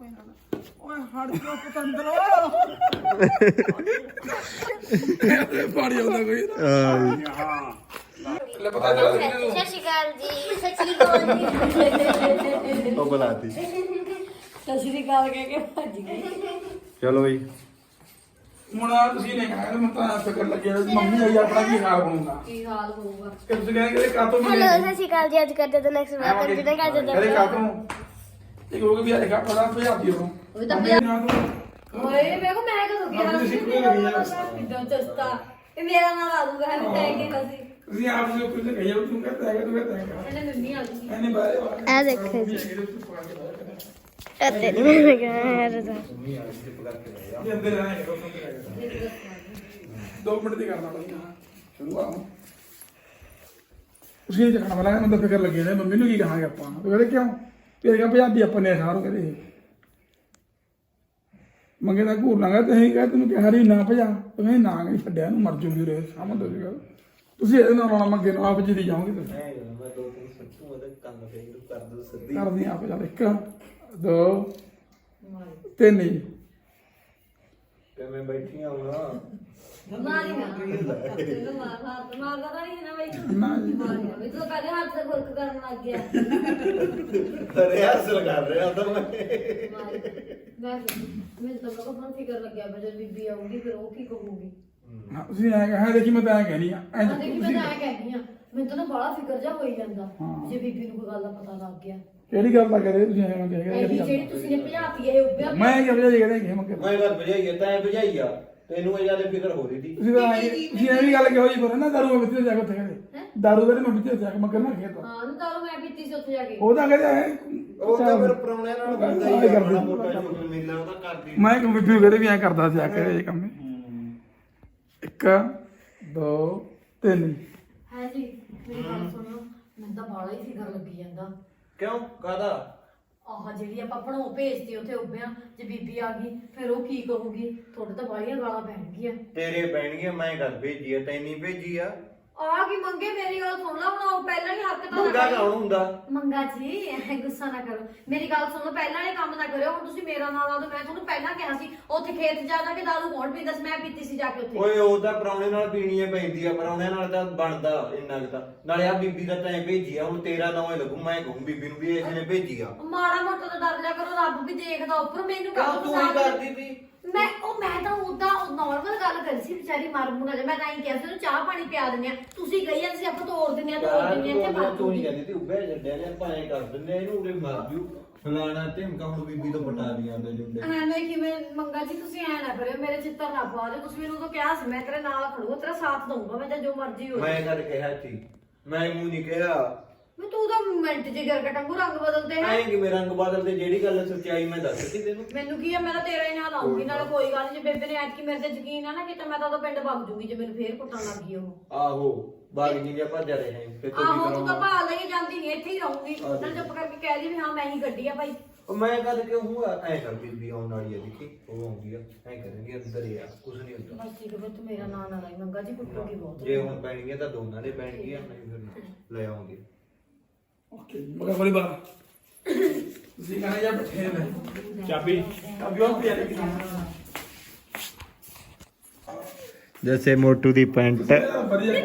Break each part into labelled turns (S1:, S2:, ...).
S1: ਓਏ ਹੜ ਜੋ ਪਤੰਦਰੋ ਪਾਣੀ ਆਉਂਦਾ ਕੋਈ ਹਾਂ ਲੈ ਪਤਾ ਚੱਲ
S2: ਸਤਿ ਸ਼੍ਰੀ ਅਕਾਲ ਜੀ ਸਤਿ ਸ਼੍ਰੀ ਅਕਾਲ ਜੀ
S3: ਉਹ ਬੁਲਾਤੀ
S2: ਸਤਿ ਸ਼੍ਰੀ ਅਕਾਲ ਕਹਿ ਕੇ ਭੱਜ ਗਈ
S3: ਚਲੋ ਬਈ
S1: ਹੁਣ ਆ ਤੁਸੀਂ ਨੇ ਕਹਾ ਮੈਂ ਤਾਂ ਫਿਕਰ ਲੱਗਿਆ ਮੰਮੀ ਆਈ ਆਪਣਾ ਕੀ ਹਾਲ ਬਣੂਗਾ
S2: ਕੀ ਹਾਲ ਹੋਊਗਾ
S1: ਕਿ ਤੁਸੀਂ ਕਹਿੰਦੇ ਕਾਤੋਂ
S2: ਹੈਲੋ ਸਤਿ ਸ਼੍ਰੀ ਅਕਾਲ ਜੀ ਅੱਜ ਕਰਦੇ ਤਾਂ ਨੈਕਸਟ ਵਾਰ ਕੰਟੀਨਿਊ ਕਰਦੇ
S1: ਕਹਿੰਦੇ ਕਾਤੋਂ ਇੱਕ ਹੋ ਗਿਆ ਵੀ ਆਏਗਾ ਪਤਾ ਭਜਾਤੀ ਉਹ
S2: ਉਹ ਤਾਂ ਓਏ ਵੇਖੋ ਮੈਂ ਕਦੋਂ ਗਿਆ ਕਿਦੋਂ ਚਸਤਾ ਇਹ ਮੇਰਾ ਨਾਮ ਆ ਦੂਗਾ ਹੈ ਤੈ ਕੇ ਅਸੀਂ
S1: ਤੁਸੀਂ ਆਪ ਜੋ ਕੁਝ ਕਹੀ ਜਾਓ ਤੂੰ ਕਹਿੰਦਾ ਹੈਗਾ ਤੂੰ ਕਹਿੰਦਾ ਹੈਗਾ
S2: ਇਹਨੇ ਮੰਮੀ ਆ ਗਈ
S1: ਇਹਨੇ ਬਾਰੇ
S2: ਆ ਦੇਖੋ ਜੀ ਅੱਤੇ ਨਹੀਂ ਮੈਂ ਕਿਹਾ ਯਾਰ ਦਾ
S1: ਇਹ ਅੰਦਰ ਆਏਗਾ 2 ਮਿੰਟ ਦੀ ਕਰਨਾ ਪੜੀਆਂ ਸ਼ੁਰੂ ਆ ਉਸੇ ਜਗ੍ਹਾ ਵਾਲਾ ਮੈਨੂੰ ਤਾਂ ਫਿਕਰ ਲੱਗੀ ਨੇ ਮੰਮੀ ਨੂੰ ਕੀ ਕਹਾਂਗੇ ਆਪਾਂ ਉਹ ਕਹਿੰਦੇ ਕਿਉਂ ਤੇਰੇ ਪੰਜਾਬੀ ਆਪਾਂ ਨੇ ਸਾਰੋਂ ਕਹਿੰਦੇ ਮੰਗੇ ਦਾ ਘੂਰ ਲਾਂਗਾ ਤੇ ਅਸੀਂ ਕਹੇ ਤੈਨੂੰ ਕਿਹਾ ਰੀ ਨਾ ਭਜਾ ਤੁਸੀਂ ਨਾ ਨਹੀਂ ਛੱਡਿਆ ਨੂੰ ਮਰ ਜੂਗੀ ਰੇ ਸਮਝ ਦੋ ਜੀ ਗੱਲ ਤੁਸੀਂ ਇਹਦੇ ਨਾਲ ਆਉਣਾ ਮੰਗੇ ਨੂੰ ਆਪ ਜੀ ਦੀ ਜਾਓਗੇ ਤੁਸੀਂ
S3: ਮੈਂ ਦੋ ਤਿੰਨ ਸੱਚੂ ਉਹਦੇ ਕੰਨ ਤੇ ਕਰ ਦੋ ਸਿੱਧੀ
S1: ਕਰਦੀ ਆਪ ਚੱਲ 1 2 3 ਹੀ
S3: ਕਿਵੇਂ ਬੈਠੀਆਂ ਹੁਣ
S2: ਮਾਰੀ ਨਾ ਤੈਨੂੰ ਮਾਰਦਾ ਤਾਂ ਨਹੀਂ ਨਾ ਬਈ
S1: ਨਾ ਜੀ
S2: ਮਾਰੀ ਨਾ ਵੀ ਤੂੰ ਪਹਿਲੇ ਹੱਥ ਤੇ ਖੁਰਕ ਕਰਨ ਲੱਗ ਗਿਆ
S3: ਰਿਹਾਸਲ ਕਰ ਰਿਹਾ ਤਾਂ ਮੈਂ
S2: ਮੈਨੂੰ ਤਾਂ ਬਹੁਤ ਫਿਕਰ ਲੱਗਿਆ ਬਜੇ ਬੀਬੀ ਆਊਗੀ ਫਿਰ ਉਹ ਕੀ ਕਹੂਗੀ
S1: ਹਾਂ, ਤੁਸੀਂ ਐਂ ਕਹਾਂ ਦੇਖੀ ਮੈਂ ਤਾਂ ਐਂ ਕਹਿਣੀ ਆ ਐਂ
S2: ਹਾਂ ਦੇਖੀ ਮੈਂ ਤਾਂ ਐ ਕਹਿੰਦੀ ਆ ਮੈਨੂੰ ਤਾਂ ਨਾ ਬੜਾ ਫਿਕਰ ਜਾ ਹੋਈ ਜਾਂਦਾ
S1: ਹਾਂ।
S2: ਜੇ ਬੀਬੀ ਨੂੰ ਕੋਈ ਗੱਲ ਦਾ ਪਤਾ ਲੱਗ ਗਿਆ
S1: ਕਿਹੜੀ ਗੱਲ ਦਾ ਕਹਦੇ ਤੁਸੀਂ ਐਂ ਮੰਗੇ
S2: ਇਹ ਜਿਹੜੀ ਤੁਸੀਂ ਨੇ ਭਜਾਤੀ ਇਹ ਉੱਪਰ
S1: ਮੈਂ ਕੀ ਵਜ੍ਹਾ ਜੀ ਕਹਿੰਦੇ ਕਿ ਮੰਗੇ
S3: ਮੈਂ ਘਰ ਭਜਾਈ ਤੈਂ ਭਜਾਈ ਆ ਤੈਨੂੰ ਇਹ ਜਿਆਦਾ ਫਿਕਰ ਹੋ ਰਹੀ ਸੀ
S1: ਤੁਸੀਂ ਤਾਂ ਤੁਸੀਂ ਇਹ ਵੀ ਗੱਲ ਕਿ ਹੋਈ ਪਰ ਨਾ ਦਾਰੂ ਮੈਂ ਕਿੱਥੇ ਜਾ ਕੇ ਉੱਥੇ ਕਹਿੰਦੇ ਦਾਰੂ ਵੇਲੇ ਮੈਂ ਕਿੱਥੇ ਜਾ ਕੇ ਮੈਂ ਕਰਨਾ ਖੇਤ
S2: ਹਾਂ ਨੂੰ ਦਾਰੂ ਮੈਂ ਪੀਤੀ ਸੀ ਉੱਥੇ ਜਾ ਕੇ
S1: ਉਹ ਤਾਂ ਕਹਿੰਦੇ
S3: ਉਹ ਤਾਂ ਫਿਰ ਪਰੌਣਿਆਂ ਨਾਲ ਕਰਦਾ ਹੀ ਆ ਬੜਾ ਮੋਟਾ ਸ਼ੁਕਰ ਮਿਲਣਾ ਉਹਦਾ ਕਰਦੀ
S1: ਮੈਂ ਕਿ ਬੀਬੀ ਕਹਿੰਦੇ ਵੀ ਐਂ ਕਰਦਾ ਸੀ ਆ ਕੇ ਇਹ ਕੰਮ 1 2 3
S2: ਹਾਂ ਜੀ ਮੇਰੀ ਗੱਲ ਸੁਣੋ ਮੈਨੂੰ ਤਾਂ ਬਾਲਾ ਹੀ ਫਿਕਰ ਲੱਗੀ ਜਾਂਦਾ
S3: ਕਿਉਂ ਕਾਦਾ
S2: ਆਹ ਜਿਹੜੀ ਆਪਾਂ ਭਣੋ ਭੇਜਤੀ ਉੱਥੇ ਉੱਭਿਆ ਜੇ ਬੀਬੀ ਆ ਗਈ ਫਿਰ ਉਹ ਕੀ ਕਹੂਗੀ ਤੁਹਾਡੇ ਤਾਂ ਬਾਲੀਆਂ ਗਾਲਾਂ ਪੈਣਗੀਆਂ
S3: ਤੇਰੇ ਪੈਣਗੀਆਂ ਮੈਂ ਘਰ ਭੇਜੀ ਆ ਤੈਨੂੰ ਭੇਜੀ ਆ
S2: ਆ ਕੀ ਮੰਗੇ ਮੇਰੀ ਗੱਲ ਸੁਣ ਲਾ ਹੁਣ ਉਹ ਪਹਿਲਾਂ ਹੀ ਹੱਕ ਤਾਂ
S3: ਮੁੰਡਾ ਕੌਣ ਹੁੰਦਾ
S2: ਮੰਗਾ ਜੀ ਗੁੱਸਾ ਨਾ ਕਰੋ ਮੇਰੀ ਗੱਲ ਸੁਣੋ ਪਹਿਲਾਂ ਇਹ ਕੰਮ ਨਾ ਕਰਿਓ ਹੁਣ ਤੁਸੀਂ ਮੇਰਾ ਨਾਮ ਲਾ ਦਿਓ ਮੈਂ ਤੁਹਾਨੂੰ ਪਹਿਲਾਂ ਕਿਹਾ ਸੀ ਉੱਥੇ ਖੇਤ ਜਾ ਜਾ ਕੇ ਦਾਰੂ ਕੌਣ ਪੀਂਦਾ ਸੀ ਮੈਂ ਪੀਤੀ ਸੀ ਜਾ ਕੇ ਉੱਥੇ
S3: ਓਏ ਉਹ ਤਾਂ ਪਰੌਣੇ ਨਾਲ ਪੀਣੀ ਏ ਪੈਂਦੀ ਆ ਪਰੌਣਿਆਂ ਨਾਲ ਤਾਂ ਬਣਦਾ ਇੰਨਾ ਕੁ ਤਾਂ ਨਾਲੇ ਆ ਬੀਬੀ ਦਾ ਤੈਂ ਭੇਜੀ ਆ ਹੁਣ ਤੇਰਾ ਨਾਂ ਹੀ ਲੱਗੂ ਮੈਂ ਕਹੂੰ ਬੀਬੀ ਨੂੰ ਵੀ ਇਹਨੇ ਭੇਜੀ ਆ
S2: ਮਾੜਾ ਮੋਟਾ ਤਾਂ ਡਰ ਲਿਆ ਕਰੋ ਰੱਬ ਵੀ ਦੇਖਦਾ ਉੱਪਰ ਮੈਨੂੰ
S3: ਕਿਉਂ ਤੂੰ ਹੀ ਕਰਦੀ ਸੀ
S2: ਮੈਂ ਤਾਂ ਉਦਾਂ ਨਾਰਮਲ ਗੱਲ ਕਰੀ ਸੀ ਵਿਚਾਰੀ ਮਰ ਮੁਣਾ ਜਾ ਮੈਂ ਤਾਂ ਹੀ ਕਿਹਾ ਸੀ ਉਹਨੂੰ ਚਾਹ ਪਾਣੀ ਪਿਆ ਦਿੰਦੇ ਆ ਤੁਸੀਂ ਗਈ ਆ ਅਸੀਂ ਆਪਾਂ ਤੋੜ ਦਿੰਦੇ ਆ ਇੱਥੇ ਮਰ
S3: ਤੂੰ ਹੀ ਕਹਿੰਦੀ ਸੀ ਉੱਭੇ ਜੱਡਿਆ ਨੇ ਭਾਵੇਂ ਕਰ ਦਿੰਦੇ ਆ, ਇਹਨੂੰ ਉਰੇ ਮਰ ਜੂ ਫਲਾਣਾ ਢਿਮਕਾ ਹੁਣ ਬੀਬੀ ਤੋਂ ਪਟਾ ਦੀਆਂ ਦੇ ਜੁੰਡੇ
S2: ਐਵੇਂ ਕਿਵੇਂ ਮੰਗਾ ਜੀ ਤੁਸੀਂ ਐ ਨਾ ਕਰਿਓ ਮੇਰੇ ਚਿੱਤਰ ਨਾ ਪਾ ਦਿਓ ਤੁਸੀਂ ਮੈਨੂੰ ਤਾਂ ਕਿਹਾ ਸੀ ਮੈਂ ਤੇਰੇ ਨਾਲ ਖੜੂਗਾ ਤੇਰਾ ਸਾਥ ਦਊਂਗਾ ਮੈਂ ਤਾਂ ਜੋ ਮਰਜ਼ੀ ਹੋ
S3: ਮੈਂ ਕਦ ਕਿਹਾ ਸੀ ਮੈਂ ਮੂੰਹ ਨਹੀਂ ਕਿਹਾ
S2: ਮੈਂ ਤੂੰ ਤਾਂ ਮਿੰਟ ਚ ਗਿਰ ਕਟੰਗੂ ਰੰਗ ਬਦਲਦੇ ਹੈ
S3: ਐਂ ਕਿ ਮੇਰਾ ਰੰਗ ਬਦਲ ਤੇ ਜਿਹੜੀ ਗੱਲ ਸੱਚਾਈ ਮੈਂ ਦੱਸਤੀ ਤੈਨੂੰ
S2: ਮੈਨੂੰ ਕੀ ਆ ਮੈਂ ਤਾਂ ਤੇਰਾ ਹੀ ਨਾਲ ਆਉਂਗੀ ਨਾਲ ਕੋਈ ਗੱਲ ਨਹੀਂ ਜੇ ਬੇਬੇ ਨੇ ਐਤਕੀ ਮੇਰੇ ਤੇ ਯਕੀਨ ਆ ਨਾ ਕਿ ਮੈਂ ਤਾਂ ਉਹਦਾ ਪਿੰਡ ਵਗ ਜੂਗੀ ਜੇ ਮੈਨੂੰ ਫੇਰ ਕੁੱਟਣ ਲੱਗ ਗਈ ਉਹ
S3: ਆਹੋ ਬਾਗ ਜੀ ਜਾਂ ਭੱਜ ਰਹੇ ਹੈ ਫਿਰ ਤੂੰ ਕੀ
S2: ਆਹੋ ਤੂੰ ਤਾਂ
S3: ਕਰਾਂਗਾ
S2: ਭਾਲ ਲਈ ਜਾਂਦੀ ਨਹੀਂ ਇੱਥੇ ਹੀ ਰਹੂੰਗੀ ਨਾਲ ਚੁੱਪ ਕਰਕੇ ਕਹਿ ਦੀ ਵੀ ਹਾਂ ਮੈਂ ਹੀ ਗੱਡੀ ਆ ਭਾਈ
S3: ਉਹ ਮੈਂ ਕਦ ਕਿਉਂ ਹੂਆ ਐਂ ਕਰ ਬੀਬੀ ਆਉਣ ਵਾਲੀ ਆ ਦੇਖੀ ਉਹ ਆਉਂਦੀ ਆ ਐਂ ਕਰਾਂਗੇ ਅੰਦਰ ਹੀ ਆ ਕੁਝ ਨਹੀਂ ਹੁੰਦਾ
S2: ਬਸ ਠੀਕ ਹੈ ਤੂੰ ਮੇਰਾ ਨਾਂ ਨਾ ਲਾਈ ਮੰਗਾ ਜੀ ਕੁੱਟੂਗੀ ਬਹੁਤ
S3: ਜੇ ਹੁਣ ਪੈਣਗੀਆਂ ਤਾਂ ਦੋਨਾਂ ਦੇ ਪੈਣਗੀਆਂ ਨਹੀਂ ਫਿਰ ਲੈ ਆਉਂਗੇ
S1: ਓਕੇ ਮਗਾ ਬੜੀ ਬਾਤ ਤੁਸੀਂ ਕਹਾਂ ਜਾਂ ਬੈਠੇ ਨੇ ਚਾਬੀ ਉਹ ਪਿਆ ਨਹੀਂ
S3: जैसे मोटू दी पैंट
S1: ਵਧੀਆ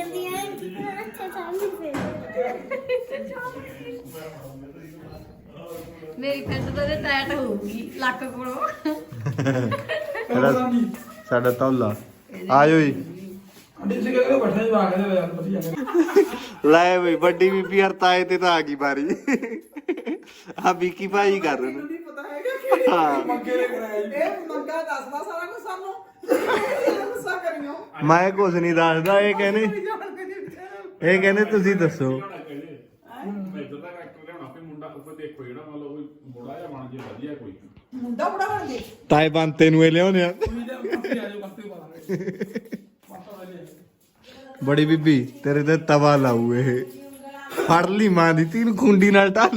S2: ਮੇਰੀ ਪੈਂਟ ਤਾਂ ਟੈਟ ਹੋਊਗੀ ਲੱਕ ਕੋਲੋਂ
S3: साडा तौला आयो जी
S1: ਅੰਡੇ ਸੇ ਕਹਿੰਦੇ ਬੈਠਾ ਹੀ ਆ ਕੇ ਯਾਰ ਵਧੀਆ
S3: ਲੈ ਬਈ ਵੱਡੀ ਬੀਬੀ ਹਰਤਾਏ ਤੇ ਤਾਂ ਆ ਗਈ ਬਾਰੀ ਆ ਬੀਕੀ ਭਾਈ ਕਰ ਰਹੇ ਨੇ
S4: ਪਤਾ ਹੈਗਾ ਕਿਹੜੀ
S3: ਹਾਂ
S1: ਮੰਗੇ ਲੈ ਕਰਾਇਆ
S4: ਇਹ ਮੰਗਾ ਦੱਸਦਾ ਸਾਰਾ ਕੁਝ ਸਾਨੂੰ ਗੁੱਸਾ ਕਰਿਓ
S3: ਮੈਂ ਕੁਝ ਨਹੀਂ ਦੱਸਦਾ ਇਹ ਕਹਿੰਦੇ ਇਹ ਕਹਿੰਦੇ ਤੁਸੀਂ ਦੱਸੋ
S4: ਮੁੰਡਾ ਬੜਾ ਬਣ ਜੇ
S3: ਤਾਏ ਬੰਤੇ ਨੂੰ ਇਹ ਲਿਆਉਣੇ ਆ ਬੜੀ ਬੀਬੀ ਤੇਰੇ ਤੇ ਤਵਾ ਲਾਊ ਇਹ ਫੜ ਲਈ ਮਾਂ ਦੀ ਤੀਨ ਖੁੰਡੀ ਨਾਲ ਢਾਲੀ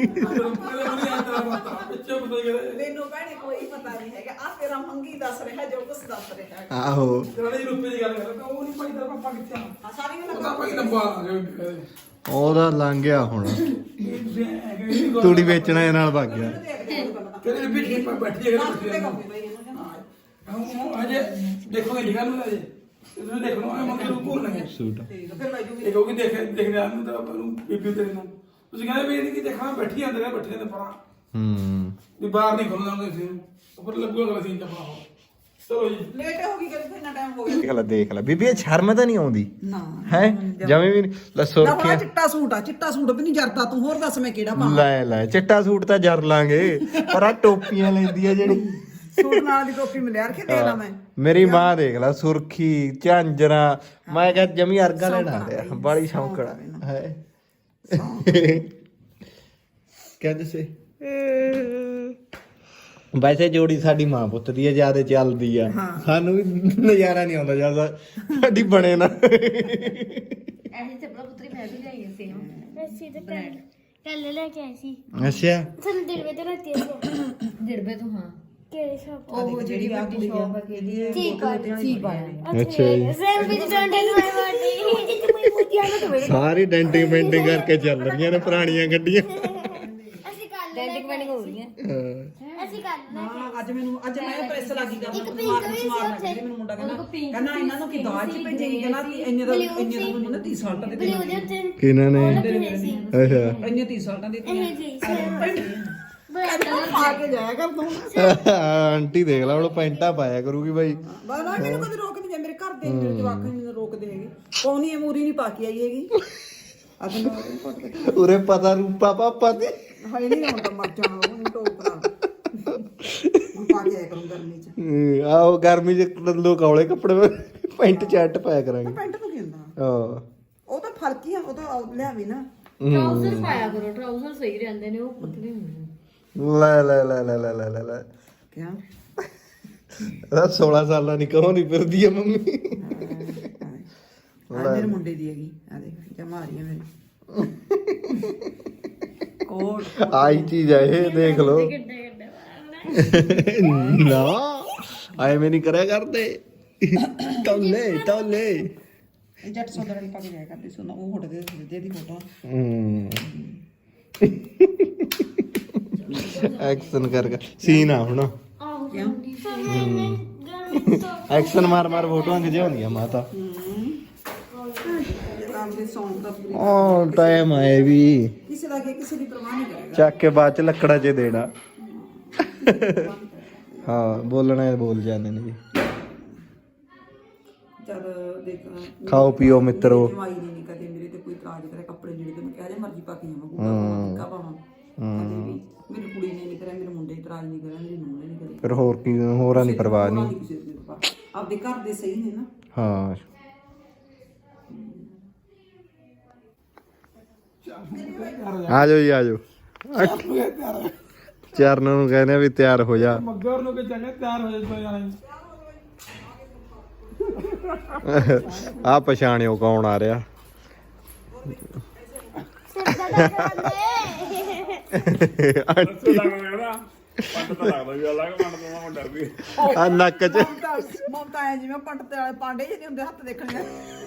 S4: ਮੈਨੂੰ ਭੈਣੇ ਕੋਈ ਪਤਾ ਨਹੀਂ ਹੈਗਾ ਆ ਤੇਰਾ ਮੰਗੀ ਦੱਸ ਰਿਹਾ ਜੋ ਕੁਝ ਦੱਸ ਰਿਹਾ ਹੈਗਾ
S3: ਆਹੋ
S1: ਜਿਹੜੀ ਰੁਪਏ ਦੀ ਗੱਲ ਕਰਦਾ ਉਹ ਨਹੀਂ ਭਾਈ ਦਾ ਪਾਪਾ ਕਿੱਥੇ ਆ
S4: ਆ ਸਾਰੀ ਗੱਲ
S1: ਉਹਦਾ ਭਾਈ ਲੰਬਾ ਆ ਗਿਆ
S3: ਉਹਦਾ ਲੰਘ ਗਿਆ ਹੁਣ
S1: ਤੁਸੀਂ
S3: ਤੂੜੀ ਵੇਚਣਾ ਇਹ ਨਾਲ ਭੱਗ ਗਿਆ
S4: ਦੇਖਦੇ ਹਾਂ ਪਹਿਲਾਂ
S1: ਕਿਹੜੇ ਵੀ ਠੀਕ ਬੈਠੀ ਹੈ
S4: ਦੱਸ ਦੇ ਕੰਮ ਬਈ ਇਹਨੂੰ
S1: ਹਾਂ ਅਜੇ ਦੇਖੋਗੇ ਨਿਕਲ ਨੂੰ ਅਜੇ ਤੁਸੀਂ ਦੇਖਣੋ ਆ ਮੰਗੇ ਨੂੰ ਭੁੱਲਣਗੇ
S3: ਸੂਟ
S4: ਠੀਕ ਆ, ਫਿਰ ਮੈਂ ਜੂਗੀ
S1: ਇਹ ਕਹੋਗੇ ਦੇਖਦੇ ਆ ਨੂੰ ਤਾਂ ਆਪਾਂ ਨੂੰ ਬੀਬੀ ਤੇਰੇ ਨੂੰ ਤੁਸੀਂ ਕਹਿੰਦੇ ਵੀ ਇਹਦੀ ਕੀ ਦੇਖਣਾ ਬੈਠੀ ਆਂਦੇ ਨੇ ਬੱਠੇ ਦੇ ਪਰਾਂ ਵੀ ਬਾਹਰ ਨਹੀਂ ਖੁੱਲਦਾ ਕਿਸੇ ਨੂੰ ਉੱਪਰ ਲੱਗੂਗਾ ਅਸੀਂ ਚੱਪਣਾ ਹੋ ਚਲੋ ਜੀ
S4: ਲੇਟ ਹੋ ਗਈ ਕਿ ਇੰਨਾ ਟਾਈਮ ਹੋ ਗਿਆ
S3: ਦੇਖ ਲੈ ਬੀਬੀ ਇਹ ਸ਼ਰਮ ਤਾਂ ਨਹੀਂ ਆਉਂਦੀ
S4: ਨਾ
S3: ਹੈ ਜਵੇਂ ਵੀ ਲੱਸੋ
S4: ਨਾ
S3: ਰੱਖਿਆ
S4: ਚਿੱਟਾ ਸੂਟ ਵੀ ਨਹੀਂ ਜਰਦਾ ਤੂੰ ਹੋਰ ਦੱਸ ਮੈਂ ਕਿਹੜਾ ਪਾਵਾਂ
S3: ਲੈ ਚਿੱਟਾ ਸੂਟ ਤਾਂ ਜਰ ਲਾਂਗੇ ਪਰ ਆ ਟੋਪੀਆਂ ਲੈਂਦੀ ਆ ਜਿਹੜੀ
S4: ਸੂਟ ਨਾਲ ਦੀ ਟੋਪੀ ਮਿਲਿਆ ਰਖੇ ਦੇ ਲਾ ਮੈਂ
S3: ਮੇਰੀ ਮਾਂ ਦੇਖ ਲੈ ਸੁਰਖੀ ਝਾਂਜਰਾ ਮੈਂ ਕਿਹਾ ਜਮੀ ਅਰਗਾ ਲੈਣਾ ਰਿਹਾ ਬਾਲੀ ਸ਼ੌਂਕੜਾ ਹੈ ਕਹਿੰਦੇ ਸੇ ਵੈਸੇ ਜੋੜੀ ਸਾਡੀ ਮਾਂ ਪੁੱਤ ਦੀ ਹੈ ਜਿਆਦਾ ਚੱਲਦੀ ਆ ਸਾਨੂੰ ਵੀ ਨਜ਼ਾਰਾ ਨਹੀਂ ਆਉਂਦਾ ਜਿਆਦਾ ਸਾਡੀ ਬਣੇ ਨਾ
S2: ਐਸੀ ਚੱਪਲਾ ਪੁੱਤਰੀ ਮੈਂ ਵੀ ਲਿਆਈ ਸੀ
S5: ਅਸੀਂ ਤਾਂ ਕੱਲ ਲੈ ਕੇ ਆਏ ਸੀ
S3: ਅੱਛਾ
S5: ਸਾਨੂੰ ਦਿਲਵੇ ਤੇ ਰਾਤੀ ਅਸੀਂ
S2: ਦਿੜਬੇ ਤੋਂ ਹਾਂ
S5: ਕਿਹੜੇ ਸ਼ਾਪ
S2: ਉਹ ਜਿਹੜੀ ਵੱਡੀ ਸ਼ੌਪ ਹੈ ਕਿਹਦੀ
S5: ਠੀਕ ਆ
S2: ਠੀਕ ਆ
S3: ਅੱਛਾ ਜੀ
S5: same we don't tell my body ਜਿੱਥੇ ਕੋਈ ਮੁੱਦਿਆਂ ਨੂੰ ਤਵੇ
S3: ਸਾਰੀ ਡੈਂਟਿੰਗ ਪੇਂਟਿੰਗ ਕਰਕੇ ਚੱਲ ਰਹੀਆਂ ਨੇ ਪੁਰਾਣੀਆਂ ਗੱਡੀਆਂ
S5: ਅਸੀਂ ਕੱਲ
S2: ਡੈਂਟਿੰਗ ਪੈਂਟਿੰਗ ਹੋ ਰਹੀ ਹੈ
S5: ਅਸੀਂ ਕੱਲ
S4: ਹਾਂ ਅੱਜ ਮੈਂ ਪ੍ਰੈਸ ਲੱਗੀ ਕਰਨਾ ਸਮਾਰ ਲੱਗੀ ਮੈਨੂੰ ਮੁੰਡਾ ਕਹਿੰਦਾ ਇਹਨਾਂ ਨੂੰ ਕੀ ਦਾਜ ਚ ਭੇਜੇਗੀ ਕਹਿੰਦਾ ਇੰਨੇ ਦਾ ਮੈਨੂੰ 30 ਸਾਲ ਦਾ ਦੇ
S5: ਬਲੂ ਦੇ ਉੱਤੇ
S3: ਕਿਹਨਾਂ ਨੇ
S5: ਸੀ
S3: ਅੱਛਾ
S4: ਇੰਨੇ 30 ਸਾਲ ਦਾ ਦੇ
S5: ਇਹ ਜੀ
S4: ਪਾ ਕੇ ਜਾਇਆ ਕਰ ਤੂੰ
S3: ਆਂਟੀ ਦੇਖ ਲਾ ਹੁਣ ਪੈਂਟਾਂ ਪਾਇਆ ਕਰੂਗੀ ਬਾਈ
S4: ਬਾਬਾ ਮੈਨੂੰ ਕਦੇ ਰੋਕ ਨਹੀਂ ਜਾ ਮੇਰੇ ਘਰ ਦੇ ਮੇਰੇ ਜਵਾਕ ਮੈਨੂੰ ਰੋਕਦੇ ਹੈਗੇ ਕੌਣੀ ਇਹ ਮੂਰੀ ਨਹੀਂ ਪਾ ਕੇ ਆਈ ਹੈਗੀ ਅੱਜ ਮੈਂ ਫੋਟੋ
S3: ਉਰੇ ਪਤਾ ਰੂਪਾ ਪਾਪਾ ਤੇ
S4: ਹਾਏ ਨਹੀਂ ਆਉਂਦਾ ਮਰ ਜਾਣਾ ਉਹ ਟੋਕਰਾ ਪਾ ਕੇ ਆਇਆ ਕਰੂੰ ਗਰਮੀ ਚ
S3: ਆਓ ਗਰਮੀ ਚ ਲੋਕ ਔਲੇ ਕੱਪੜੇ ਪੈਂਟ ਸ਼ਰਟ ਪਾਇਆ ਕਰਾਂਗੇ
S4: ਪੈਂਟ ਨੂੰ ਕਹਿੰਦਾ
S3: ਹਾਂ
S4: ਉਹ ਤਾਂ ਫਰਕ ਹੀ ਆ ਉਹ ਤਾਂ ਲਿਆਵੀ ਨਾ
S2: ਟਰਾਊਜ਼ਰ ਪਾਇਆ ਕਰੋ ਟਰਾਊਜ਼ਰ ਸਹੀ ਰਹਿੰਦੇ ਨੇ ਉਹ ਪਤਲੇ ਹੁੰਦੇ ਨੇ
S3: ਲੈ
S4: ਕਿਆ
S3: ਇਹਦਾ 16 ਸਾਲਾਂ ਦੀ ਕਹੋ ਨਹੀਂ ਫਿਰਦੀ ਆ ਮੰਮੀ
S4: ਆ ਮੇਰੇ ਮੁੰਡੇ ਦੀ ਹੈਗੀ ਆ ਦੇਖ ਜਮਾ ਰਹੀ ਹੈ ਮੇਰੀ ਕੋਟ
S3: ਆਈ ਚੀਜ਼ ਆ ਇਹ ਦੇਖ ਲੋ ਨਾ ਆਏ ਮੈਂ ਨਹੀਂ ਕਰਿਆ ਕਰਦੇ ਤੌਲੇ
S4: ਜੱਟ ਸੋਦਰ ਵਾਲੀ ਪਾ ਕੇ ਜਾਇਆ ਕਰਦੀ ਸੋਨਾ ਉਹ ਫੋਟੋ ਦੇ ਦੀ ਫੋਟੋ
S3: ਐਕਸ਼ਨ ਕਰ ਸੀਨ ਆ ਹੁਣ ਐਕਸ਼ਨ ਮਾਰ ਫੋਟੋਆਂ ਖਿਚੇ ਹੁੰਦੀਆਂ ਮਾਤਾ
S4: ਕੰਮ ਦੇ ਸੌਂਗ ਦਾ
S3: ਉਹ ਟਾਈਮ ਆਏ ਵੀ
S4: ਕਿਸੇ ਦਾ ਅੱਗੇ ਕਿਸੇ ਦੀ ਪਰਵਾਹ ਨਹੀਂ ਕਰੇਗਾ
S3: ਚੱਕ ਕੇ ਬਾਅਦ ਚ ਲੱਕੜਾ 'ਚ ਦੇਣਾ ਹਾਂ ਬੋਲਣਾ ਹੈ ਬੋਲ ਜਾਂਦੇ ਨੇ ਜੀ
S4: ਜਦ ਦੇਖ
S3: ਖਾਓ ਪੀਓ ਮਿੱਤਰੋ
S4: ਜਵਾਈ ਨਹੀਂ ਕਦੇ ਮੇਰੇ ਤੇ ਕੋਈ ਇਤਰਾਜ਼ ਕਰੇ ਕੱਪੜੇ ਜਿਹੜੇ ਤੇ ਮੈਂ ਕਿਹਾ ਜੇ ਮਰਜ਼ੀ ਪਾ ਕੇ ਜਾਵਾਂ ਕੋਈ ਕਾ ਪਾਵਾਂ ਕਦੇ ਵੀ ਮੇਰੀ ਕੁੜੀ ਨੇ ਨਹੀਂ ਕਰਿਆ ਮੇਰੇ ਮੁੰਡੇ ਇਤਰਾਜ਼ ਨਹੀਂ ਕਰਿਆ ਮੇਰੀ ਨੂੰਹ ਨੇ ਨਹੀਂ ਕਰਿਆ
S3: ਫਿਰ ਹੋਰ ਕੀ ਹੋਰਾਂ ਦੀ ਪਰਵਾਹ ਨਹੀਂ
S4: ਕਿਸੇ ਦੀ ਪਰਵਾਹ ਆਪਦੇ ਘਰ ਦੇ ਸਹੀ ਨੇ ਨਾ
S3: ਹਾਂ ਆ ਜਾਓ ਜੀ ਆ ਜਾਓ ਚਰਨ ਨੂੰ ਕਹਿੰਦੇ ਵੀ ਤਿਆਰ ਹੋ ਜਾ
S1: ਮੱਗਰ ਨੂੰ ਕਿ ਚੰਗੇ ਤਿਆਰ ਹੋ ਜਾਣਾ
S3: ਆ ਪਛਾਣਿਓ ਕੌਣ ਆ ਰਿਹਾ ਆਂਟੀ ਆ ਨੱਕ ਚ
S4: ਮਮਤਾ ਹੈ ਜਿਵੇਂ ਪੰਡਤ ਵਾਲੇ ਪਾਂਡੇ ਜਿਹੇ ਹੁੰਦੇ ਹੱਥ ਦੇਖਣੇ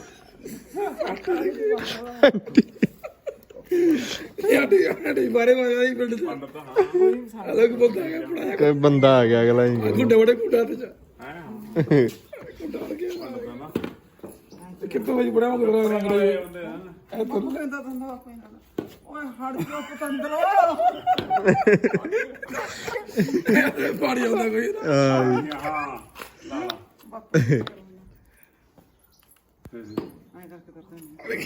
S1: ਆਂਟੀ ਬਾਰੇ ਮਾਰੇ ਪਿੰਡ ਚ ਅਲੱਗ ਬੰਦਾ ਆ ਗਿਆ ਪੜਾਇਆ
S3: ਕੋਈ ਬੰਦਾ ਆ ਗਿਆ ਅਗਲਾ ਹੀ
S1: ਗੁੱਡੇ ਵੜੇ ਗੁੱਡਾ ਤੇ ਚ ਗੁੱਡਾ ਵੜ ਗਿਆ ਕਿੱਥੋਂ ਵਜ ਬੜਾ ਮਗਰ ਰੰਗ ਰਹੇ ਇਹ ਤਾਂ
S4: ਕਹਿੰਦਾ ਦੰਦਾ ਬਾਪੂ ਓਏ ਹੜ ਜੋ ਪਤੰਦਰੋ
S1: ਪਾਣੀ ਆਉਂਦਾ ਕੋਈ
S4: ਆਏ ਕਰਕੇ ਕਰਦਾ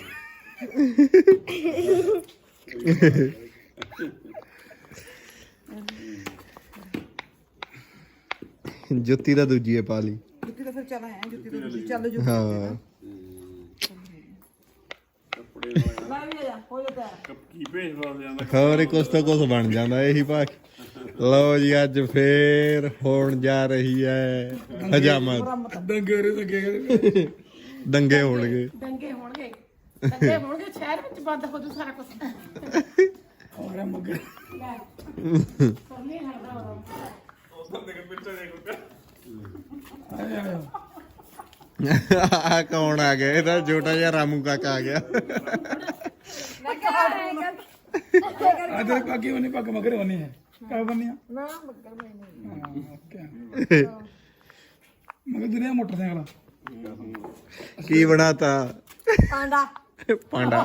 S3: ਜੁੱਤੀ ਦਾ ਦੂਜੀ ਹੈ ਪਾ ਲਈ
S4: ਜੁੱਤੀ ਤਾਂ ਫਿਰ ਚੱਲ ਆਇਆ ਜੁੱਤੀ ਤਾਂ ਤੁਸੀਂ ਚੱਲ ਜੁੱਤੀ
S3: ਹਾਂ
S4: ਮੈਂ ਵੀ ਆ ਜਾ ਹੋ ਜਾ
S3: ਹੋਰ ਕੁਛ ਤਾਂ ਕੁਛ ਬਣ ਜਾਂਦਾ ਇਹੀ ਪਾ ਲਓ ਜੀ ਅੱਜ ਫੇਰ ਹੋਣ ਜਾ ਰਹੀ ਹੈ ਹਜਾਮਤ
S1: ਡੰਗੇ ਰੇ ਲੱਗੇ
S3: ਦੰਗੇ ਹੋਣਗੇ
S6: ਦੰਗੇ ਹੋਣਗੇ ਸ਼ਹਿਰ ਵਿੱਚ ਬੰਦ ਹੋ ਜੂ ਸਾਰਾ ਕੁਝ
S1: ਔਰ ਮਗਰ
S3: ਆ ਕੌਣ ਆ ਗਿਆ ਇਹਦਾ ਛੋਟਾ ਜਿਹਾ ਰਾਮੂ ਕਾਕਾ ਆ ਗਿਆ
S1: ਅਦਰ ਕਾਕੀ ਉਹਨੇ ਪੱਗ ਮਗਰ ਹੋਣੀ ਹੈ ਕਰ ਦਿੰਦੇ ਆ
S5: ਨਾ ਬੱਕਰ ਮੈਂ ਨਹੀਂ
S1: ਓਕੇ ਮੈਂ ਦਿਨੇ ਮੋਟਰਸਾਈਕਲ
S3: ਕੀ ਬਣਾਤਾ
S5: ਪਾਂਡਾ
S3: ਪਾਂਡਾ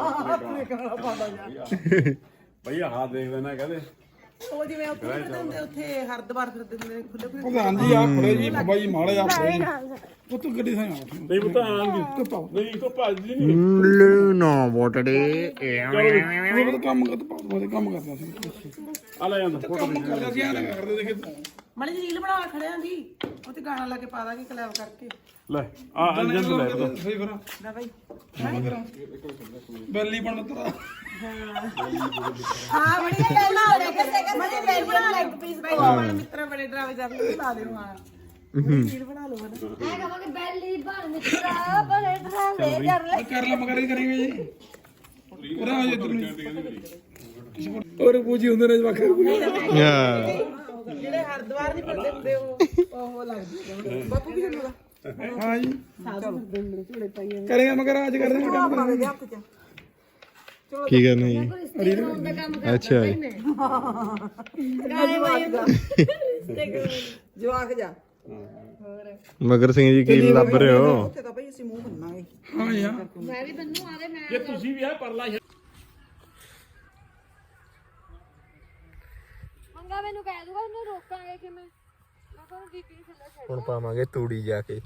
S7: ਭਈ ਆਹ ਦੇਖਦੇ ਨਾ ਕਹਦੇ
S4: ਉਹ ਜਿਵੇਂ ਉੱਥੇ ਹਰਦਵਾਰ ਫਿਰਦੇ ਹੁੰਦੇ ਨੇ ਖੁੱਲੇ ਖੁੱਲੇ
S1: ਪ੍ਰਧਾਨ ਜੀ ਆ ਖੜੇ ਜੀ ਬਾਬਾ ਜੀ ਮਾੜੇ ਆ ਖੜੇ ਜੀ ਉਹ ਤੂੰ ਗੱਡੀ ਸਾਂ
S7: ਨਹੀਂ ਪਤਾ ਆਂਦੀ
S1: ਪਾਓ
S7: ਨਹੀਂ ਕੋ ਭੱਜਦੀ ਨਹੀਂ
S3: ਨਾ ਬੋਟੜੇ
S1: ਉਹ ਤਾਂ ਕੰਮ ਕਰਦਾ ਪਾਉ ਕੰਮ ਕਰਦਾ ਸੀ
S7: ਆ ਲੈ ਜਾਂਦਾ ਫੋਟੋ
S1: ਕੰਮ ਕਰਦਾ ਸੀ ਆ ਕਰਦੇ ਦੇਖੇ
S4: ਮਣੀ ਜੀ ਰੀਲ ਬਣਾ ਖੜਿਆਂ ਦੀ ਉਹ ਤੇ ਗਾਣਾ ਲਾ ਕੇ ਪਾ ਦਾਂਗੇ ਕਲੈਬ ਕਰਕੇ
S7: ਲੈ ਆ ਅੰਜਨ ਤੋਂ ਲੈ ਪਤਾ
S1: ਸਹੀ ਫਿਰ
S4: ਲੈ ਬਾਈ
S1: ਬੈਲੀ ਬਣ ਤਰਾ
S4: ਹਾਂ ਬੜੀ ਗੱਲ ਨਾ ਮਣੀ ਰੀਲ ਬਣਾ ਲੈ ਇੱਕ ਪੀਸ ਬਾਈ ਮਿੱਤਰ ਬੜੇ ਡਰਾਵੇ ਜਾਂਦੇ ਨੇ ਲਾ ਲਿਓ ਹਾਂ ਰੀਲ ਬਣਾ ਲਓ ਨਾ
S2: ਐ ਕਹਾਂਗੇ ਬੈਲੀ ਬਣ ਮਿੱਤਰਾ ਬੜੇ ਡਰਾਵੇ ਕਰ ਲੈ
S1: ਕਰ ਲਾ ਮਗਰ ਹੀ ਕਰੀਏ ਜੀ ਪੂਰਾ ਹੋ ਜਾ ਇਧਰ ਨੂੰ ਔਰ ਪੂਜੀ ਹੁੰਦੇ ਨੇ ਜਵਾਖਰ
S4: ਜਿਹੜੇ ਹਰਦਵਾਰ ਨਹੀਂ ਫਿਰਦੇ ਹੁੰਦੇ ਉਹ ਲੱਗਦੀ ਬਾਪੂ ਵੀ ਹੁੰਦਾ
S1: ਹਾਂ ਜੀ ਕਰੇਗਾ ਮਗਰ ਅੱਜ ਕਰਦੇ ਨੇ ਕੰਮ ਕਰਾਂਗੇ
S4: ਦੇ ਹੱਥ ਚ
S3: ਕੀ ਕਰਨਾ ਜੀ
S2: ਰਿਸ਼ਤੇ ਕਰਾਉਣ ਦਾ ਕੰਮ ਕਰਦਾ
S3: ਅੱਛਾ
S2: ਭਾਈ ਮੈਂ ਗਾਣੇ ਵਾਈ
S4: ਜਵਾਕ ਜਾ
S3: ਮਗਰ ਸਿੰਘ ਜੀ ਕੀ ਲੱਭ ਰਹੇ ਹੋ
S4: ਉੱਥੇ ਤਾਂ ਬਈ ਅਸੀਂ ਮੂੰਹ ਬੰਨਾਂਗੇ
S1: ਹਾਂ ਜੀ ਹਾਂ
S2: ਮੈਂ ਵੀ ਬੰਨੂ ਆਦੇ ਮੈਂ
S7: ਜੇ ਤੁਸੀਂ ਵੀ ਆ ਪਰਲਾ
S2: ਮੰਗਾ ਮੈਨੂੰ ਕਹਿ ਦੂਗਾ ਇਹਨੂੰ ਰੋਕਾਂਗੇ ਕਿਵੇਂ ਮੈਂ ਕਹਿੰਦਾ ਬੀਬੀ ਨੂੰ ਥੱਲੇ ਛੱਡ
S3: ਹੁਣ ਪਾਵਾਂਗੇ ਤੂੜੀ ਜਾ ਕੇ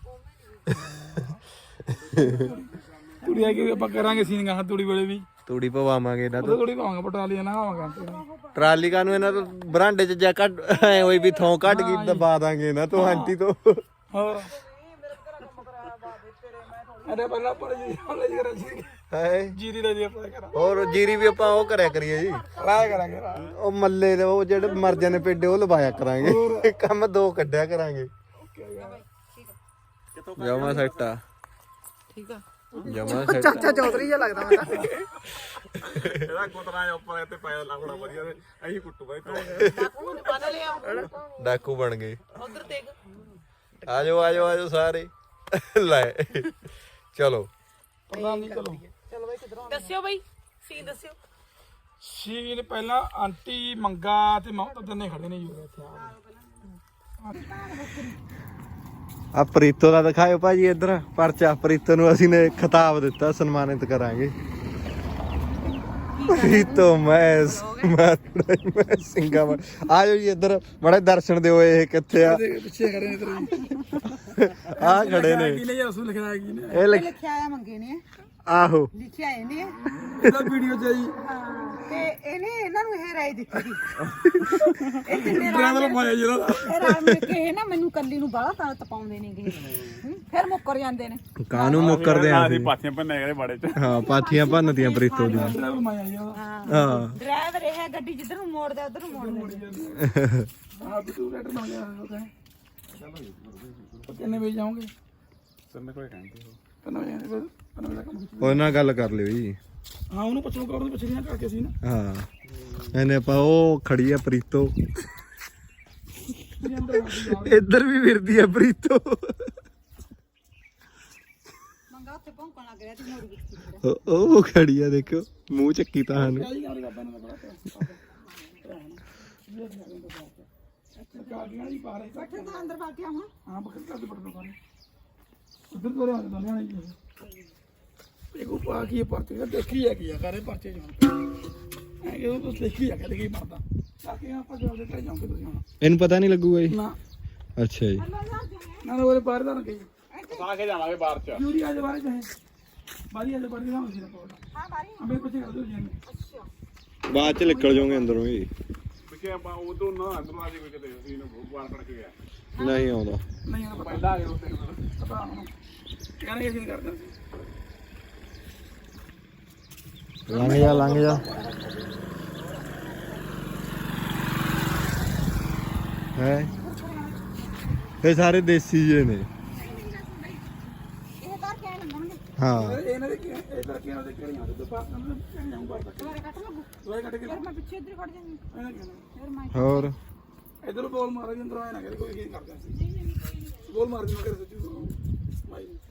S1: ਕੁੜੀ ਆ ਕੇ ਆਪਾਂ ਕਰਾਂਗੇ ਸੀਨ ਗਾ ਤੂੜੀ ਵੇਲੇ ਵੀ
S3: ਤੂੜੀ ਪਵਾਵਾਂਗੇ ਇਹਨਾਂ ਤੋਂ
S1: ਥੋੜੀ ਪਾਵਾਂਗੇ ਪਟਾਲੀਆਂ ਨਾ ਆਵਾਂਗਾ
S3: ਟਰਾਲੀ ਕਾਨੂੰ ਇਹਨਾਂ ਤੋਂ ਬਰਾਂਡੇ ਚ ਜਾ ਕੱਢ ਐ ਹੋਈ ਵੀ ਥੋਂ ਕੱਢ ਕੇ ਦਬਾ ਦਾਂਗੇ ਇਹਨਾਂ ਤੋਂ ਆਂਟੀ ਤੋਂ
S1: ਹੋਰ ਅਰੇ ਪਹਿਲਾਂ ਪਰ ਜੀ ਹਲੇ ਕਰਾਂ ਜੀ
S3: ਹੈ
S1: ਜੀਰੀ ਦਾ ਜੀ ਆਪਾਂ ਕਰਾਂ
S3: ਹੋਰ ਜੀਰੀ ਵੀ ਆਪਾਂ ਉਹ ਕਰਿਆ ਕਰੀਏ ਜੀ
S1: ਰਾਇ ਕਰਾਂਗੇ
S3: ਉਹ ਮੱਲੇ ਦੇ ਉਹ ਜਿਹੜੇ ਮਰ ਜਾਂਦੇ ਪੇਡੇ ਉਹ ਲਵਾਇਆ ਕਰਾਂਗੇ ਕੰਮ ਦੋ ਕੱਢਿਆ ਕਰਾਂਗੇ ਜਮਾ ਸੈੱਟ ਆ
S4: ਠੀਕ ਆ
S3: ਜਮਾ ਸੈੱਟ
S4: ਚਾਚਾ ਚੌਧਰੀ ਜਿਹਾ ਲੱਗਦਾ ਮੈਂ ਤਾਂ
S7: ਇਹਦਾ ਕੁੱਤਰਾ ਉੱਪਰ ਤੇ ਪਾਇਆ ਲੱਗਣਾ ਵਧੀਆ ਤੇ ਅਸੀਂ ਕੁੱਟੂ ਬਾਈ
S4: ਬਾਪੂ ਨੇ ਬੰਨ ਲਿਆ
S3: ਡਾਕੂ ਬਣ ਗਏ
S4: ਉਧਰ ਦੇਖ
S3: ਆਜੋ ਸਾਰੇ ਲੈ ਚਲੋ
S1: ਪ੍ਰਧਾਨ ਜੀ ਚਲੋ
S4: ਚਲੋ ਬਾਈ ਕਿਧਰੋਂ ਦੱਸਿਓ ਬਾਈ ਸੀ ਦੱਸਿਓ
S1: ਸੀਨ ਪਹਿਲਾਂ ਆਂਟੀ ਮੰਗਾ ਤੇ ਮਮਤਾ ਦੋਨੇ ਖੜੇ ਨੇ ਜੀ ਇੱਥੇ
S3: ਆ ਪ੍ਰੀਤੋ ਦਾ ਦਿਖਾਇਓ ਭਾਜੀ ਇੱਧਰ ਪਰਚਾ ਪ੍ਰੀਤੋ ਨੂੰ ਅਸੀਂ ਨੇ ਖਿਤਾਬ ਦਿੱਤਾ ਸਨਮਾਨਿਤ ਕਰਾਂਗੇ ਪ੍ਰੀਤੋ ਮੈਂ ਸਿੰਗਾਪੁਰ ਆਜੋ ਜੀ ਇੱਧਰ ਬੜੇ ਦਰਸ਼ਨ ਦਿਓ ਇਹ ਕਿੱਥੇ ਆ
S1: ਪਿੱਛੇ ਖੜੇ ਨੇ ਤੇਰੇ
S3: ਆ ਖੜੇ ਨੇ
S1: ਕੀ ਨੇ ਅਸੂ ਲਿਖਣਾ ਕੀ ਨੇ
S3: ਇਹ
S4: ਲਿਖਿਆ ਆਇਆ ਮੰਗੇ ਨੇ
S3: ਆਹੋ
S4: ਲਿਖਿਆ ਇਹਨੇ
S1: ਇਹਦਾ ਵੀਡੀਓ ਚ ਜੀ
S4: ਤੇ ਇਹਨੇ ਇਹਨਾਂ ਨੂੰ ਇਹ ਰਾਏ ਦਿੱਤੀ ਸੀ ਇਹ ਤਿੰਨੇ
S1: ਡਰਾਈਵਰ ਪਾਇਆ ਜਿਹੜਾ
S4: ਇਹ ਰਾਏ ਮਿਲ ਕੇ ਇਹ ਨਾ ਮੈਨੂੰ ਕੱਲੀ ਨੂੰ ਬਾਹਲਾ ਤਾਂ ਤਪਾਉਂਦੇ ਨੇਗੇ ਫਿਰ ਮੁੱਕਰ ਜਾਂਦੇ ਨੇ
S3: ਕਾਨੂੰ ਮੁੱਕਰਦੇ ਆ
S7: ਅਸੀਂ ਪਾਥੀਆਂ ਭੰਨੇ ਗਏ ਬਾੜੇ ਚ
S3: ਹਾਂ ਪਾਥੀਆਂ ਭੰਨਤੀਆਂ ਪ੍ਰੀਤੋ ਦੀਆਂ
S1: ਡਰਾਈਵਰ ਮਾਇਆ ਜੀ ਉਹਦਾ
S3: ਹਾਂ
S4: ਡਰਾਈਵਰ ਇਹ ਗੱਡੀ ਜਿੱਧਰ ਨੂੰ ਮੋੜਦਾ ਉਧਰ ਨੂੰ ਮੋੜਦਾ
S1: ਹਾਂ ਤੂੰ ਲੈਟਰ ਨਾ ਜਾ ਉਹਦਾ ਕਿੰਨੇ ਵਜੇ ਜਾਓਗੇ
S7: ਤੈਨੂੰ ਕੋਈ ਕਹਿੰਦੇ
S1: ਕਿੰਨੇ ਵਜੇ ਦਾ ਕੰਮ
S3: ਉਹਨਾਂ ਨਾਲ ਗੱਲ ਕਰ ਲਿਓ ਜੀ
S1: ਹਾਂ ਉਹਨੂੰ ਪੁੱਛੋ ਕਰ ਉਹਨੂੰ ਪੁੱਛਣੀਆਂ ਕਰਕੇ ਸੀ ਨਾ
S3: ਹਾਂ ਇਹਨੇ ਆਪਾਂ ਉਹ ਖੜੀ ਆ ਪ੍ਰੀਤੋ ਇੱਧਰ ਵੀ ਫਿਰਦੀ ਆ ਪ੍ਰੀਤੋ
S4: ਮੰਗਾ ਉੱਥੇ ਭੌਂਕਣ ਲੱਗ ਰਿਹਾ ਤੇ ਮੋੜ ਵਿੱਚ
S3: ਉਹ ਖੜੀ ਆ ਦੇਖੋ ਮੂੰਹ ਚੱਕੀ ਤਾਂ ਹਨ
S1: ਕਾਹਦੀ ਗੱਲ ਕਰਦਾ ਨਾ ਬੜਾ ਕਾਗੀਆਂ ਦੀ ਪਾ ਰਹੇ
S4: ਬੈਠੇ ਤਾਂ ਅੰਦਰ ਬੈਠਿਆ ਹੁਣ
S1: ਹਾਂ ਬੱਕਰ ਕਰਦੇ ਬਟਨ ਪਾਣੇ ਉਧਰ ਤੋਂ ਰਿਆਂ ਦੋਨੇ ਆਣੇ ਜੀ ਇਹ ਕੋ ਪਾ ਕੀ ਪਰਚੇ ਦਾ ਦੇਖੀ ਆ ਕੀ ਆ ਕਰੇ ਪਰਚੇ ਜਾਣ ਐ ਕਿ ਉਹ ਦੇਖੀ ਆ ਕਦੇ ਕੀ ਪਰਦਾ ਤਾਂ ਕਿ ਆਪਾਂ ਜਲਦੀ ਟਰ ਜਾਓਗੇ ਤੁਸੀਂ ਹੁਣ
S3: ਇਹਨੂੰ ਪਤਾ ਨਹੀਂ ਲੱਗੂਗਾ ਜੀ
S1: ਨਾ
S3: ਅੱਛਾ ਜੀ
S1: ਨਾ ਉਹਦੇ ਬਾਹਰ ਦਾ ਨਾ ਕਹੀ
S7: ਪਾ ਕੇ ਜਾਵਾਂਗੇ ਬਾਹਰ ਚ
S1: ਯੂਰੀ ਆ ਜਾ ਬਾਹਰ ਚਾਹੇ ਬਾਰੀ ਆ ਜਾ ਬਾਹਰ ਨਾ ਹੋਈ ਨਾ ਕੋਲ
S4: ਹਾਂ ਬਾਰੀ
S1: ਅਬੇ ਕੁਝ ਕਰ ਦੋ ਜੀ
S3: ਬਾਅਦ ਚ ਨਿਕਲ ਜਾਓਗੇ ਅੰਦਰੋਂ ਹੀ
S7: ਪਿੱਛੇ ਆਪਾਂ ਉਦੋਂ ਨਾ ਅੰਦਰ ਆ ਜੇ ਕੋਈ ਕਿਤੇ ਅਸੀਂ ਨੂੰ ਬਾਹਰ ਕੱਢ ਕੇ ਗਿਆ
S3: ਨਹੀਂ ਆਉਂਦਾ
S1: ਨਹੀਂ ਆ
S7: ਪਹਿਲਾਂ ਆ ਗਏ ਉੱਤੇ
S1: ਪਤਾ ਹੁਣ ਕਹਿੰਦੇ ਅਸੀਂ ਨਹੀਂ ਕਰਦੇ
S3: ਲੰਘ ਜਾ ਹੈ ਇਹ ਸਾਰੇ ਦੇਸੀ ਜੇ ਨੇ
S4: ਇਹ ਤਾਂ ਕਹਿ ਲੰਗਣਗੇ
S3: ਹਾਂ
S1: ਇਹਨਾਂ ਦੇ ਕੀ ਇਧਰ ਕੀ ਉਹਦੇ ਕਿਹੜੀਆਂ ਤੇ ਬਾਹਰ ਨਾ ਜਾਉਂ ਬਾਹਰ ਤੱਕ
S4: ਦੁਬਾਰਾ ਕੱਟ ਲੱਗੂ
S1: ਦੋਏ ਕੱਟ ਕੇ
S4: ਫਿਰ ਮੈਂ ਪਿੱਛੇ ਇੱਧਰ ਖੜ ਜਾਂਗੀ
S1: ਇਹਨਾਂ ਕੀ
S4: ਫਿਰ ਮੈਂ
S3: ਹੋਰ
S1: ਇਧਰ ਬੋਲ ਮਾਰਾ ਜੀ ਅੰਦਰ ਆਇਆ ਨਾ ਕਰੇ ਕੋਈ ਕੀ ਕਰਦੇ ਸੀ ਬੋਲ ਮਾਰ ਦੀ ਮਗਰ ਸੱਚੂ ਭਾਈ